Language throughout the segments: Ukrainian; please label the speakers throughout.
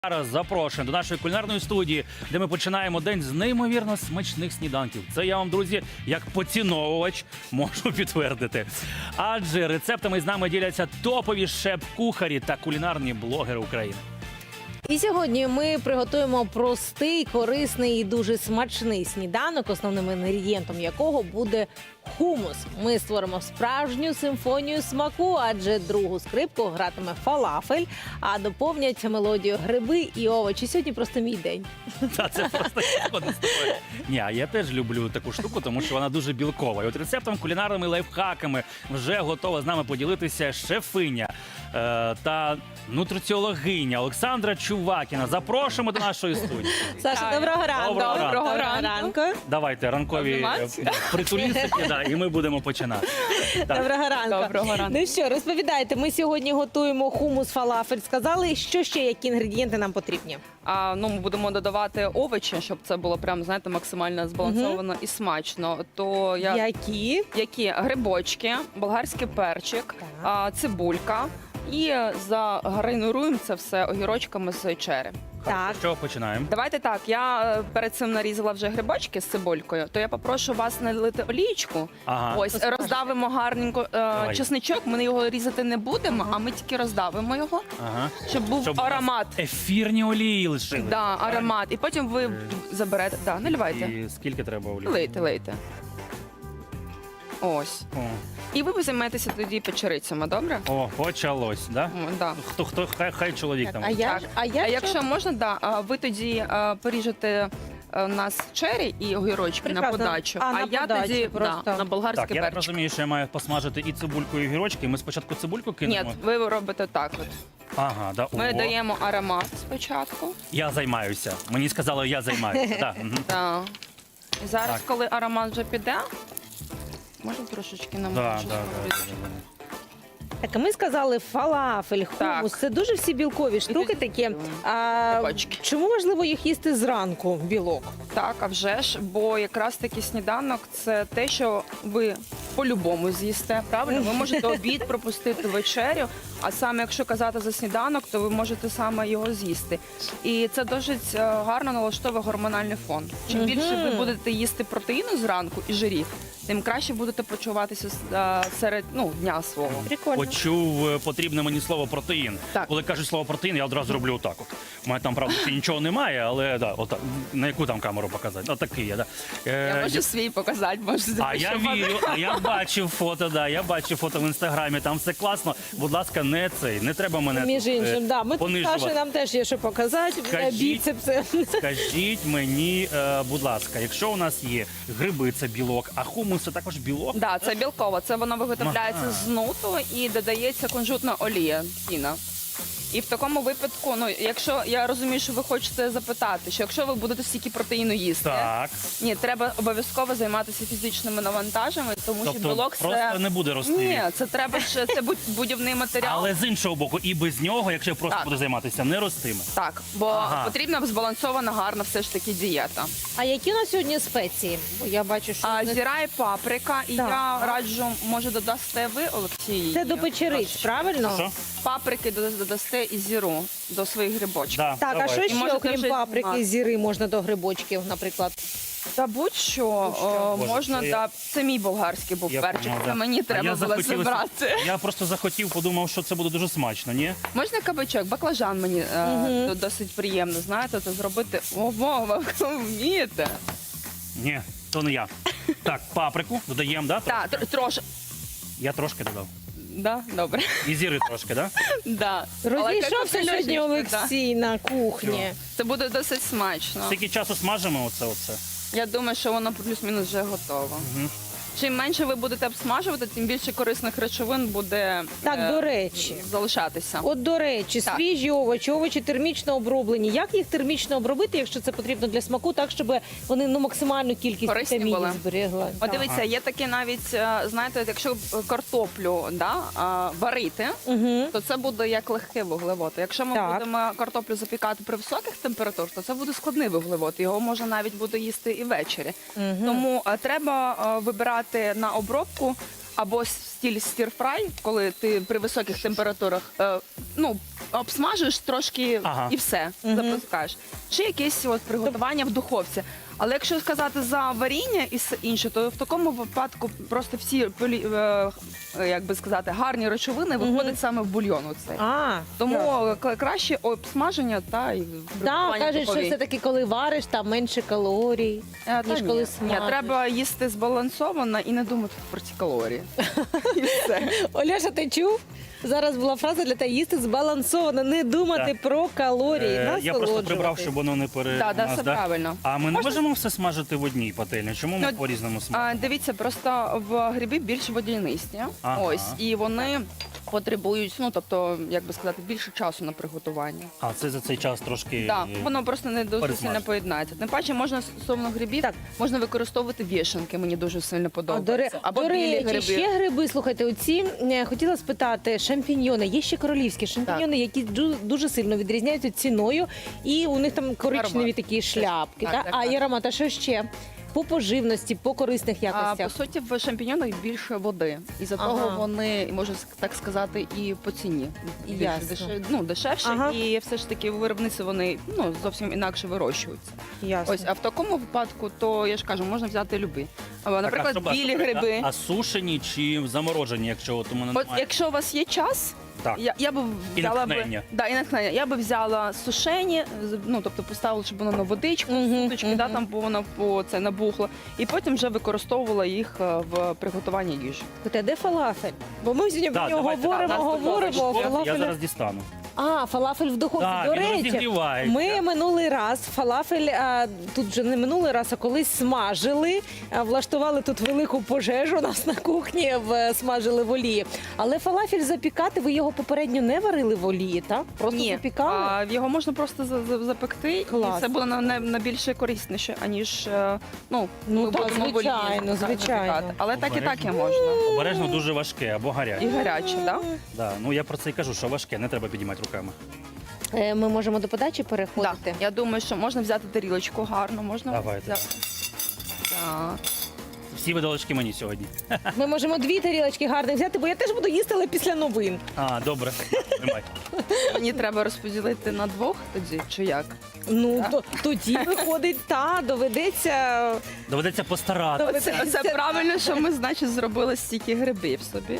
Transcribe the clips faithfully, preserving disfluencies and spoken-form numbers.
Speaker 1: Зараз запрошуємо до нашої кулінарної студії, де ми починаємо день з неймовірно смачних сніданків. Це я вам, друзі, як поціновувач можу підтвердити. Адже рецептами з нами діляться топові шеф-кухарі та кулінарні блогери України.
Speaker 2: І сьогодні ми приготуємо простий, корисний і дуже смачний сніданок, основним інгредієнтом якого буде хумус. Ми створимо справжню симфонію смаку, адже другу скрипку гратиме фалафель, а доповнять мелодію гриби і овочі. Сьогодні просто мій день.
Speaker 1: Та це просто згоден з тобою. Ні, а я теж люблю таку штуку, тому що вона дуже білкова. І от рецептом, кулінарними лайфхаками вже готова з нами поділитися шефиня е, та нутриціологиня Олександра Чувакіна. Запрошуємо до нашої студії.
Speaker 2: Саша, доброго ранку.
Speaker 1: Доброго ранку.
Speaker 2: Доброго ранку.
Speaker 1: Давайте ранкові е, притулістики, да, і ми будемо починати. Так.
Speaker 2: Доброго ранку.
Speaker 3: Доброго ранку.
Speaker 2: Ну що, розповідайте, ми сьогодні готуємо хумус фалафель. Сказали, що ще, які інгредієнти нам потрібні?
Speaker 3: А, ну, ми будемо додавати овочі, щоб це було прям, знаєте, максимально збалансовано і смачно. То я...
Speaker 2: Які?
Speaker 3: Які? Грибочки, болгарський перчик, а, цибулька. І загарнируємо це все огірочками з чері.
Speaker 2: Так.
Speaker 1: З чого починаємо?
Speaker 3: Давайте так, я е, перед цим нарізала вже грибочки з цибулькою, то я попрошу вас налити олійку.
Speaker 1: Ага.
Speaker 3: Ось,
Speaker 2: Розкажи.
Speaker 3: роздавимо гарненько е,
Speaker 1: Давай.
Speaker 3: чесничок, ми його різати не будемо, а ми тільки роздавимо його,
Speaker 1: Ага.
Speaker 3: щоб був
Speaker 1: Щоб у нас
Speaker 3: аромат.
Speaker 1: Ефірні олії лишили.
Speaker 3: Да, аромат. І потім ви
Speaker 1: Е.
Speaker 3: заберете. Да, наливайте.
Speaker 1: І скільки треба олії?
Speaker 3: Лейте, лейте. Ось.
Speaker 1: О,
Speaker 3: І ви займаєтеся тоді печерицями, добре?
Speaker 1: О, почалось, да?
Speaker 3: О, да.
Speaker 1: Хто, хто, хай, хай чоловік там.
Speaker 2: А я,
Speaker 3: Так.
Speaker 2: ж- а я
Speaker 3: А
Speaker 2: що?
Speaker 3: якщо можна, да, а ви тоді а, поріжете а, у нас чері і огірочки на
Speaker 2: Прекрасно.
Speaker 3: подачу,
Speaker 2: А, на
Speaker 3: я
Speaker 2: подачу
Speaker 3: тоді
Speaker 2: просто.
Speaker 3: да, на болгарський
Speaker 1: Так, я так
Speaker 3: перчик.
Speaker 1: розумію, що я маю посмажити і цибульку, і огірочки. Ми спочатку цибульку кинемо?
Speaker 3: Ні, ви робите так от.
Speaker 1: Ага, да.
Speaker 3: Ми
Speaker 1: О,
Speaker 3: даємо аромат спочатку.
Speaker 1: Я займаюся. Мені сказали, я займаюся. Да. мгм.
Speaker 3: Да. І зараз,
Speaker 1: Так.
Speaker 3: коли аромат вже піде, можна трошечки
Speaker 1: Да,
Speaker 3: намочити.
Speaker 1: да, да, да, да.
Speaker 2: Так, а ми сказали фалафель, хумус.
Speaker 3: Так.
Speaker 2: Це дуже всі білкові штуки
Speaker 3: тоді
Speaker 2: такі.
Speaker 3: додаємо
Speaker 2: А,
Speaker 3: грибочки.
Speaker 2: чому важливо їх їсти зранку, білок?
Speaker 3: Так, а вже ж, бо якраз таки сніданок це те, що ви по-любому з'їсте. Правильно, ви можете обід пропустити вечерю, а саме якщо казати за сніданок, то ви можете саме його з'їсти. І це досить е, гарно налаштовує гормональний фон. Чим
Speaker 2: Мгм.
Speaker 3: більше ви будете їсти протеїну зранку і жирів, тим краще будете почуватися е, серед ну, дня свого.
Speaker 2: Прикольно.
Speaker 1: Почув е, потрібне мені слово протеїн.
Speaker 3: Так.
Speaker 1: Коли кажуть слово протеїн, я одразу роблю отак. От. У мене там, правда, ще нічого немає, але да, отак. На яку там камеру показати? Отакий я, да. Е,
Speaker 3: Я можу свій показати, можу
Speaker 1: А я вірю, а я бачив фото, да, я бачив фото в інстаграмі, там все класно. Будь ласка, не цей, не треба мене
Speaker 2: Між
Speaker 1: тут, е,
Speaker 2: іншим, да. Ми тут
Speaker 1: понижувати.
Speaker 2: Саша, нам теж є що показати.
Speaker 1: Скажіть.
Speaker 2: Біцепси.
Speaker 1: Скажіть мені, е, будь ласка, якщо у нас є гриби, це білок, а хумус це також білок?
Speaker 3: Да, це білково. Це воно виготовляється
Speaker 1: Ага.
Speaker 3: з нуту і додається кунжутна олія, тіна. І в такому випадку, ну якщо я розумію, що ви хочете запитати, що якщо ви будете стільки протеїну їсти,
Speaker 1: Так.
Speaker 3: ні, треба обов'язково займатися фізичними навантажами, тому
Speaker 1: Тобто
Speaker 3: що білок
Speaker 1: просто
Speaker 3: це
Speaker 1: не буде рости.
Speaker 3: ні, це треба ще це будь- будівний матеріал.
Speaker 1: Але з іншого боку, і без нього, якщо я просто
Speaker 3: Так.
Speaker 1: буду займатися, не ростиме.
Speaker 3: Так, бо
Speaker 1: Ага.
Speaker 3: потрібна збалансована, гарна все ж таки дієта.
Speaker 2: А які у нас сьогодні спеції? Бо я бачу, що
Speaker 3: А
Speaker 2: в них-
Speaker 3: зіра і паприка, і
Speaker 2: Так.
Speaker 3: я раджу, може додасте ви, Олексій.
Speaker 2: це до печериць, правильно?
Speaker 1: Що?
Speaker 3: Паприки додасте і зіру до своїх грибочків.
Speaker 1: Да,
Speaker 2: Так,
Speaker 1: давай.
Speaker 2: а що
Speaker 3: І
Speaker 2: ще,
Speaker 3: можете
Speaker 2: окрім
Speaker 3: вже
Speaker 2: паприки,
Speaker 3: знімати.
Speaker 2: зіри можна до грибочків, наприклад?
Speaker 3: Та будь-що о,
Speaker 1: Боже,
Speaker 3: можна,
Speaker 1: це я-
Speaker 3: та це мій болгарський був
Speaker 1: Я
Speaker 3: перчик.
Speaker 1: поняла,
Speaker 3: Це
Speaker 1: да.
Speaker 3: мені
Speaker 1: А
Speaker 3: треба
Speaker 1: я
Speaker 3: було
Speaker 1: захотів-
Speaker 3: зібрати.
Speaker 1: Я просто захотів, подумав, що це буде дуже смачно, ні?
Speaker 3: Можна кабачок, баклажан мені е,
Speaker 2: Мгм.
Speaker 3: то досить приємно, знаєте, це зробити. О, Вова, ви вмієте.
Speaker 1: Ні, то не я. Так, паприку додаємо, да?
Speaker 3: Так, тр- трошки.
Speaker 1: Я трошки додав.
Speaker 3: Да, добре.
Speaker 1: І зіри трошки, да?
Speaker 3: Да. Але
Speaker 2: Розійшовся
Speaker 3: як
Speaker 2: сьогодні
Speaker 3: Олексій,
Speaker 2: Олексій на кухні.
Speaker 3: да. Це буде досить смачно.
Speaker 1: Скільки часу смажимо оце оце?
Speaker 3: Я думаю, що воно плюс-мінус вже готово.
Speaker 1: Мгм.
Speaker 3: Чим менше ви будете обсмажувати, тим більше корисних речовин буде
Speaker 2: Так,
Speaker 3: е,
Speaker 2: до речі.
Speaker 3: залишатися.
Speaker 2: От, до речі,
Speaker 3: Так.
Speaker 2: свіжі овочі, овочі термічно оброблені. Як їх термічно обробити, якщо це потрібно для смаку, так, щоб вони ну, максимальну кількість
Speaker 3: Корисні
Speaker 2: вітамінів
Speaker 3: були.
Speaker 2: зберегли?
Speaker 3: От
Speaker 2: Так.
Speaker 3: дивіться, є таке навіть, е, знаєте, якщо картоплю да, а, варити,
Speaker 2: Угу.
Speaker 3: то це буде як легкий вуглевод. Якщо ми
Speaker 2: Так.
Speaker 3: будемо картоплю запікати при високих температурах, то це буде складний вуглевод. Його можна навіть буде їсти і ввечері.
Speaker 2: Угу.
Speaker 3: Тому е, треба е, вибирати на обробку або с- стіль стір-фрай, коли ти при високих температурах е, ну, обсмажуєш трошки
Speaker 1: Ага.
Speaker 3: і все,
Speaker 2: Мгм.
Speaker 3: запускаєш. Чи якесь от приготування в духовці. Але якщо сказати за варіння і все інше, то в такому випадку просто всі полі- е, як би сказати, гарні речовини
Speaker 2: Мгм.
Speaker 3: виходять саме в бульйон. Оцей.
Speaker 2: А,
Speaker 3: Тому кла- краще обсмаження та і
Speaker 2: да,
Speaker 3: приготування
Speaker 2: кажуть, що
Speaker 3: духовій.
Speaker 2: все-таки, коли вариш, там менше калорій.
Speaker 3: Е, та
Speaker 2: ніж
Speaker 3: ні.
Speaker 2: коли
Speaker 3: Ні,
Speaker 2: смажиш.
Speaker 3: треба їсти збалансовано і не думати про ці калорії. І все.
Speaker 2: Оляша, ти чув? Зараз була фраза для тебе їсти збалансовано, не думати
Speaker 1: Так.
Speaker 2: про калорії,
Speaker 1: Е, Я просто прибрав,
Speaker 2: насолоджуватись.
Speaker 1: щоб воно не пере...
Speaker 3: Так, да,
Speaker 1: нас,
Speaker 3: все
Speaker 1: да?
Speaker 3: правильно.
Speaker 1: А ми не можемо все смажити в одній пательні? Чому ми
Speaker 3: Ну,
Speaker 1: по-різному смажимо?
Speaker 3: А, дивіться, просто в гриби більш водянисті.
Speaker 1: Ага.
Speaker 3: Ось, і вони потребують, ну тобто, як би сказати, більше часу на приготування.
Speaker 1: А це за цей час трошки...
Speaker 3: Так, воно просто не дуже
Speaker 1: пересмажити.
Speaker 3: сильно поєднається. Тим паче можна стосовно грибів,
Speaker 2: Так.
Speaker 3: можна використовувати вішенки, мені дуже сильно
Speaker 2: А,
Speaker 3: подобається.
Speaker 2: до, ре...
Speaker 3: Або
Speaker 2: до
Speaker 3: білі
Speaker 2: речі,
Speaker 3: гриби.
Speaker 2: ще гриби, слухайте, оці, е, хотіла спитати, шампіньйони, є ще королівські шампіньйони, які ду- дуже сильно відрізняються ціною, і у них там коричневі
Speaker 3: Аромат.
Speaker 2: такі шляпки.
Speaker 3: Так,
Speaker 2: та?
Speaker 3: так,
Speaker 2: а
Speaker 3: так.
Speaker 2: і аромат, а що ще? По поживності, по корисних
Speaker 3: А,
Speaker 2: якостях.
Speaker 3: по суті, в шампіньонах більше води. І за
Speaker 2: Ага.
Speaker 3: того вони, можна так сказати, і по ціні більш
Speaker 2: Ясно.
Speaker 3: дешев- ну, дешевше.
Speaker 2: Ага.
Speaker 3: І все ж таки виробниці вони ну, зовсім інакше вирощуються.
Speaker 2: Ясно.
Speaker 3: Ось, а в такому випадку, то я ж кажу, можна взяти любі. А,
Speaker 1: Так, а
Speaker 3: Наприклад,
Speaker 1: що, а
Speaker 3: білі
Speaker 1: що,
Speaker 3: гриби.
Speaker 1: А, а сушені чи заморожені, якщо от у мене
Speaker 3: От
Speaker 1: немає?
Speaker 3: якщо у вас є час,
Speaker 1: Так.
Speaker 3: я, я би
Speaker 1: І
Speaker 3: взяла
Speaker 1: натхнення.
Speaker 3: би да, і натхнення. Я би взяла сушені, з- ну тобто поставила, щоб воно на водичку,
Speaker 2: Мгм,
Speaker 3: суточки, да,
Speaker 2: мгм.
Speaker 3: там бо воно по це набухло, і потім вже використовувала їх е, в приготуванні їжі.
Speaker 2: Слухайте, а де фалафель? Бо ми сьогодні
Speaker 1: Да,
Speaker 2: про нього
Speaker 1: давайте,
Speaker 2: говоримо,
Speaker 3: да, нас
Speaker 2: говоримо, а
Speaker 3: тут
Speaker 1: Я, я
Speaker 2: фалафель...
Speaker 1: зараз дістану.
Speaker 2: А, фалафель в духовці.
Speaker 1: Так,
Speaker 2: До
Speaker 1: він
Speaker 2: речі,
Speaker 1: розігрівається.
Speaker 2: ми минулий раз фалафель, а, тут вже не минулий раз, а колись смажили, а, влаштували тут велику пожежу у нас на кухні, в, смажили в олії. Але фалафель запікати, ви його попередньо не варили в олії, так? Просто
Speaker 3: Ні,
Speaker 2: запікали?
Speaker 3: а, його можна просто за- за- запекти,
Speaker 2: Клас.
Speaker 3: і це буде на, на, на більше корисніше, аніж е, ну,
Speaker 2: Ну,
Speaker 3: ми
Speaker 2: так,
Speaker 3: будемо в олії
Speaker 2: звичайно,
Speaker 3: так,
Speaker 2: звичайно.
Speaker 3: запікати. Але так і так і
Speaker 1: Обережно.
Speaker 3: можна.
Speaker 1: Обережно дуже важке або гаряче.
Speaker 3: І гаряче, так?
Speaker 1: Да. Ну я про це і кажу, що важке, не треба підіймати руками.
Speaker 2: Е, Ми можемо до подачі
Speaker 3: Да.
Speaker 2: переходити.
Speaker 3: Я думаю, що можна взяти тарілочку гарно, можна
Speaker 1: Давайте.
Speaker 3: взяти. Так.
Speaker 1: Всі видалочки мені сьогодні.
Speaker 2: Ми можемо дві тарілочки гарних взяти, бо я теж буду їсти, але після новин.
Speaker 1: А, добре. Тримай.
Speaker 3: Мені треба розподілити на двох тоді, чи як?
Speaker 2: Ну,
Speaker 3: Так.
Speaker 2: то, тоді виходить, та, доведеться...
Speaker 1: Доведеться постаратися.
Speaker 3: Це, це правильно, що ми, значить, зробили стільки грибів собі.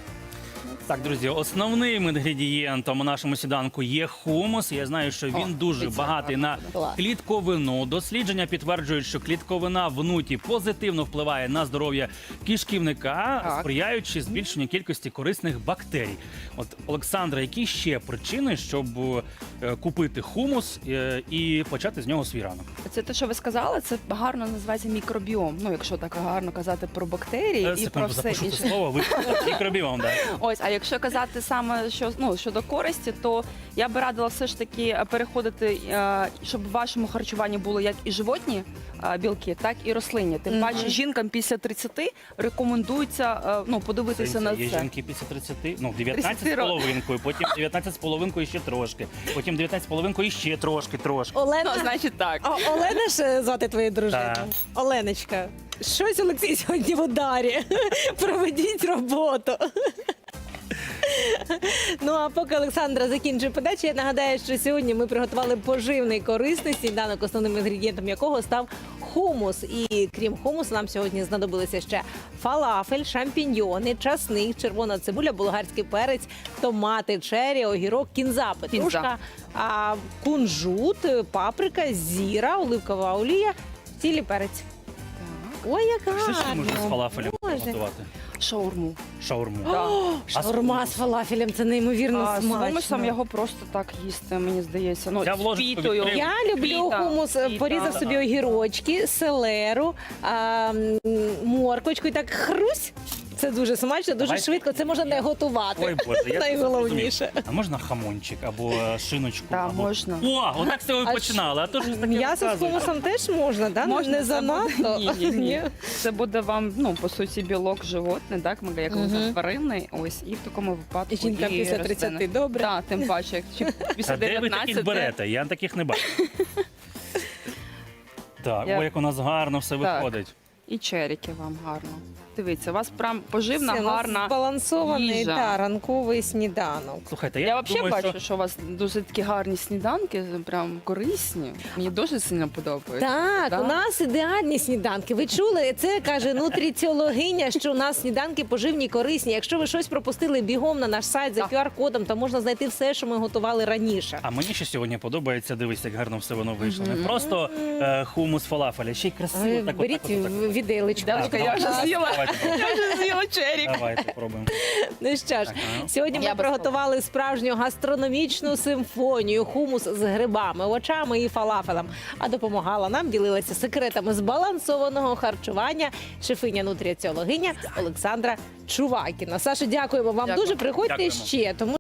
Speaker 1: Так, друзі, основним інгредієнтом у нашому сніданку є хумус. Я знаю, що він
Speaker 3: О,
Speaker 1: дуже
Speaker 3: дивіться,
Speaker 1: багатий на
Speaker 2: Клас.
Speaker 1: клітковину. Дослідження підтверджують, що клітковина в нуті позитивно впливає на здоров'я кишківника,
Speaker 3: Так.
Speaker 1: сприяючи збільшенню кількості корисних бактерій. От, Олександра, які ще причини, щоб е, купити хумус е, і почати з нього свій ранок?
Speaker 3: Це те, що ви сказали, це гарно називається мікробіом. Ну, якщо так гарно казати про бактерії
Speaker 1: Е,
Speaker 3: і про
Speaker 1: Секунду,
Speaker 3: все
Speaker 1: запишу це
Speaker 3: інше.
Speaker 1: слово. Ви мікробіом, да.
Speaker 3: Ось, а якщо казати саме що ну щодо користі, то я би радила все ж таки переходити, е, щоб в вашому харчуванні було як і животні е, білки, так і рослинні. Тим
Speaker 2: Мгм.
Speaker 3: паче жінкам після тридцяти рекомендується е, ну подивитися на
Speaker 1: Є
Speaker 3: це.
Speaker 1: жінки після тридцяти, ну дев'ятнадцять з
Speaker 3: тридцяти років.
Speaker 1: половинкою, потім дев'ятнадцять з половинкою ще трошки, потім дев'ятнадцять з половинкою ще трошки, трошки.
Speaker 2: Олена,
Speaker 3: Ну, значить так.
Speaker 2: О, Олена ж звати твою дружину?
Speaker 1: Так.
Speaker 2: Оленочка, щось Олексій сьогодні в ударі. Проведіть роботу. Ну а поки Олександра закінчує подачу, я нагадаю, що сьогодні ми приготували поживний корисний сніданок, основним інгредієнтом якого став хумус. І крім хумусу, нам сьогодні знадобилися ще фалафель, шампіньйони, часник, червона цибуля, болгарський перець, томати, чері, огірок, кінза, петрушка, а, кунжут, паприка, зіра, оливкова олія, цілий перець. Ой, як гарно!
Speaker 1: Що ще можна з фалафелем
Speaker 2: Боже.
Speaker 1: готувати?
Speaker 3: Шаурму.
Speaker 1: Шаурму.
Speaker 3: Да.
Speaker 2: Шаурма з фалафелем, це неймовірно
Speaker 3: А з
Speaker 2: смачно.
Speaker 3: хумусом його просто так їсти, мені здається. Ну,
Speaker 1: Я в
Speaker 3: з
Speaker 1: ложечку
Speaker 3: пітою.
Speaker 1: відкрив.
Speaker 2: Я люблю
Speaker 3: Фіта,
Speaker 2: хумус,
Speaker 3: фіта.
Speaker 2: порізав собі огірочки, селеру, а, м, морквочку і так хрусь. Це дуже смачно, дуже
Speaker 1: Давайте.
Speaker 2: швидко. Це можна не готувати.
Speaker 1: Ой, Боже, я це
Speaker 2: Найголовніше.
Speaker 1: зрозумів. А можна хамончик або е, шиночку?
Speaker 3: Так,
Speaker 1: або...
Speaker 3: можна.
Speaker 1: О, отак з цього
Speaker 2: А
Speaker 1: і починали. А то ж таке
Speaker 2: М'ясо з
Speaker 1: розказуєте.
Speaker 2: хумусом теж можна, да?
Speaker 3: Можна,
Speaker 2: не
Speaker 3: це
Speaker 2: занадто.
Speaker 3: буде- Ні, ні, ні. Це буде вам, ну, по суті, білок животний, так, ми як
Speaker 2: Мгм.
Speaker 3: тваринний, ось, і в такому випадку
Speaker 2: Жінка
Speaker 3: і
Speaker 2: після
Speaker 3: рослини.
Speaker 2: тридцяти, добре.
Speaker 3: Так, тим паче, як чи після
Speaker 1: Та де ви таких
Speaker 3: дев'ятнадцяти.
Speaker 1: берете? Я таких не бачу. Так,
Speaker 3: Я-
Speaker 1: ой, як у нас гарно все
Speaker 3: Так.
Speaker 1: виходить.
Speaker 3: І черіки вам гарно. Дивіться, у вас прям поживна,
Speaker 2: Це у нас
Speaker 3: гарна
Speaker 2: збалансований
Speaker 3: їжа.
Speaker 2: та, ранковий сніданок.
Speaker 1: Слухайте, я,
Speaker 3: Я взагалі
Speaker 1: думаю,
Speaker 3: бачу,
Speaker 1: що...
Speaker 3: що... у вас дуже такі гарні сніданки, прям корисні. Мені дуже сильно подобається.
Speaker 2: Так,
Speaker 3: Да?
Speaker 2: у нас ідеальні сніданки. Ви чули? Це каже нутриціологиня, що у нас сніданки поживні, корисні. Якщо ви щось пропустили, бігом на наш сайт за
Speaker 3: Так.
Speaker 2: ку ар кодом, там можна знайти все, що ми готували раніше.
Speaker 1: А мені ще сьогодні подобається, дивись, як гарно все воно вийшло. Не просто е, хумус фалафеля, ще й красиво.
Speaker 2: Е,
Speaker 1: Так, от,
Speaker 2: Беріть
Speaker 1: так, от, так, от.
Speaker 2: в- віделечку.
Speaker 3: Девочка, я вже
Speaker 1: Давайте,
Speaker 3: з'їла.
Speaker 1: давайте,
Speaker 3: Я вже з'їла черік.
Speaker 1: Давайте пробуємо.
Speaker 2: Ну що ж,
Speaker 1: Так, ага.
Speaker 2: сьогодні ми
Speaker 3: Я без
Speaker 2: приготували справжню гастрономічну симфонію, хумус з грибами, овочами і фалафелем. А допомагала нам, ділилася секретами збалансованого харчування шефиня-нутриціологиня Олександра Чувакіна. Саша, дякуємо вам
Speaker 3: Дякую.
Speaker 2: дуже. Приходьте
Speaker 1: Дякуємо.
Speaker 2: ще, тому